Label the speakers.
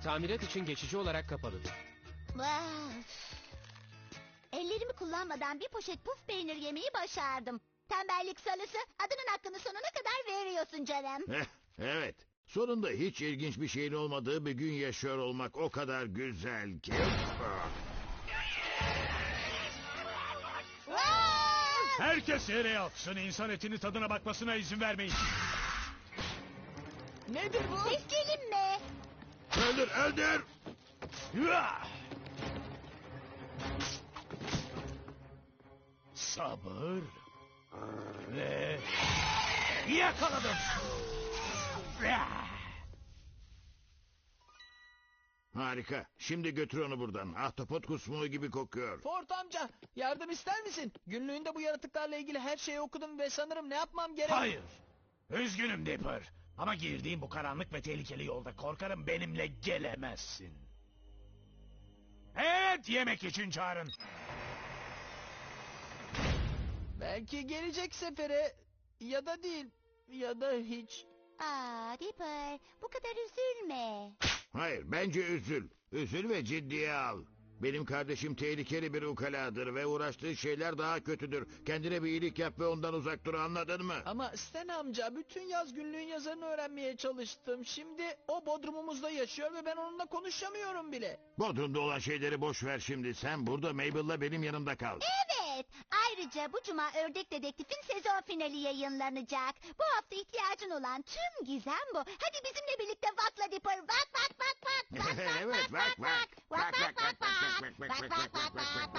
Speaker 1: Tamirat için geçici olarak kapalıdır.
Speaker 2: Ellerimi kullanmadan bir poşet puf peynir yemeyi başardım. Tembellik salısı, adının hakkını sonuna kadar veriyorsun canım.
Speaker 3: Evet. Sonunda hiç ilginç bir şeyin olmadığı bir gün yaşıyor olmak o kadar güzel ki.
Speaker 4: Herkes yere yatsın. İnsan etini tadına bakmasına izin vermeyin.
Speaker 5: Nedir bu?
Speaker 2: Sesleyelim mi?
Speaker 3: Öldür, öldür!
Speaker 4: Sabır. Ve... yakaladım.
Speaker 3: Harika. Şimdi götür onu buradan. Ahtapot kusmuğu gibi kokuyor.
Speaker 5: Ford amca, yardım ister misin? Günlüğünde bu yaratıklarla ilgili her şeyi okudum ve sanırım ne yapmam gerek...
Speaker 4: Hayır. Üzgünüm Dipper. Ama girdiğim bu karanlık ve tehlikeli yolda korkarım benimle gelemezsin. Evet, yemek için çağırın.
Speaker 5: Belki gelecek sefere ya da değil ya da hiç.
Speaker 2: Dipper, bu kadar üzülme.
Speaker 3: Hayır, bence üzül. Üzül ve ciddiye al. Benim kardeşim tehlikeli bir ukaladır ve uğraştığı şeyler daha kötüdür. Kendine bir iyilik yap ve ondan uzak dur, anladın mı?
Speaker 5: Ama Stan amca, bütün yaz günlüğün yazarını öğrenmeye çalıştım. Şimdi o bodrumumuzda yaşıyor ve ben onunla konuşamıyorum bile.
Speaker 3: Bodrum'da olan şeyleri boş ver şimdi. Sen burada Mabel'la benim yanımda kal.
Speaker 2: Evet, ayrıca bu cuma Ördek Dedektif'in sezon finali yayınlanacak. Bu hafta ihtiyacın olan tüm gizem bu. Hadi bizimle birlikte vakla Dipper, vak vak vak vak.
Speaker 3: Evet, vak vak.
Speaker 2: Vak vak vak vak. Vak vak vak vak.